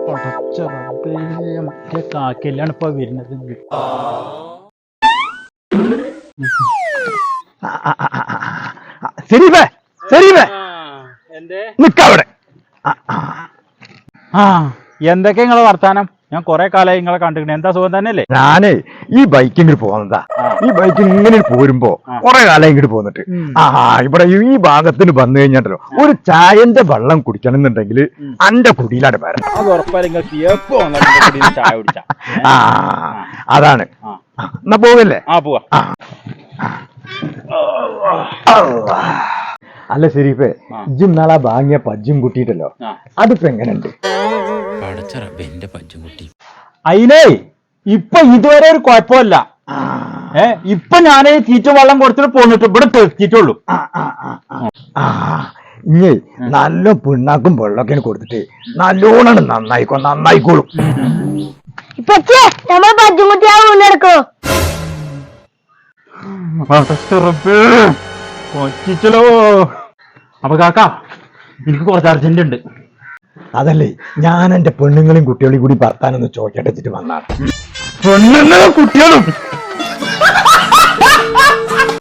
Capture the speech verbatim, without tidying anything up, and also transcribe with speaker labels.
Speaker 1: മറ്റേ കാക്കല്ലാണ് ഇപ്പൊ വരുന്നത്.
Speaker 2: ശരീഫേ ശരീഫേ നിക്കവിടെ.
Speaker 1: ആ എന്തൊക്കെ നിങ്ങളെ വർത്താനം? ഞാൻ കൊറേ കാലമായി നിങ്ങളെ കണ്ടിട്ടുണ്ട്. എന്താ സുഖം തന്നെയല്ലേ?
Speaker 2: ഞാനേ ഈ ബൈക്ക് ഇങ്ങോട്ട് പോകുന്നതാ. ഈ ബൈക്ക് ഇങ്ങനെ പോരുമ്പോ കൊറേ കാലം ഇങ്ങോട്ട് പോന്നിട്ട് ആ ഇവിടെ ഈ ഭാഗത്തിന് വന്നു കഴിഞ്ഞാണ്ടല്ലോ ഒരു ചായന്റെ വെള്ളം കുടിക്കണം എന്നുണ്ടെങ്കിൽ അന്റെ കുടിയിലാണ് വരാം.
Speaker 1: അത് ഉറപ്പായും ചായ കുടിച്ച
Speaker 2: ആ അതാണ്. എന്നാ പോകല്ലേ?
Speaker 1: ആ പോവാ.
Speaker 2: അല്ല ശരീഫേ, ഇജ്ജും നാളെ വാങ്ങിയ പജ്ജും കുട്ടിയിട്ടല്ലോ, അതിപ്പോ എങ്ങനെയുണ്ട്?
Speaker 1: അയിലേ ഇപ്പൊ ഇതുവരെ ഒരു കുഴപ്പമില്ല. ഏ ഇപ്പൊ ഞാൻ തീറ്റ വെള്ളം കൊടുത്തിട്ട് പോന്നിട്ട് ഇവിടെ തെറ്റിട്ടുള്ളൂ.
Speaker 2: ഇഞ്ഞേ നല്ല പിണ്ണാക്കും വെള്ളമൊക്കെ കൊടുത്തിട്ട് നല്ലോണം നന്നായിക്കോ നന്നായിക്കോളും.
Speaker 1: കൊച്ചിച്ചലോ. അപ്പൊ കാക്ക എനിക്ക് കുറച്ച് അർജന്റ് ഉണ്ട്.
Speaker 2: അതല്ലേ ഞാൻ എന്റെ പെണ്ണുങ്ങളെയും കുട്ടികളെയും കൂടി ഭർത്താനൊന്ന് ചോദിച്ചിട്ട് വന്നാണ്.
Speaker 1: പെണ്ണുങ്ങളും കുട്ടികളും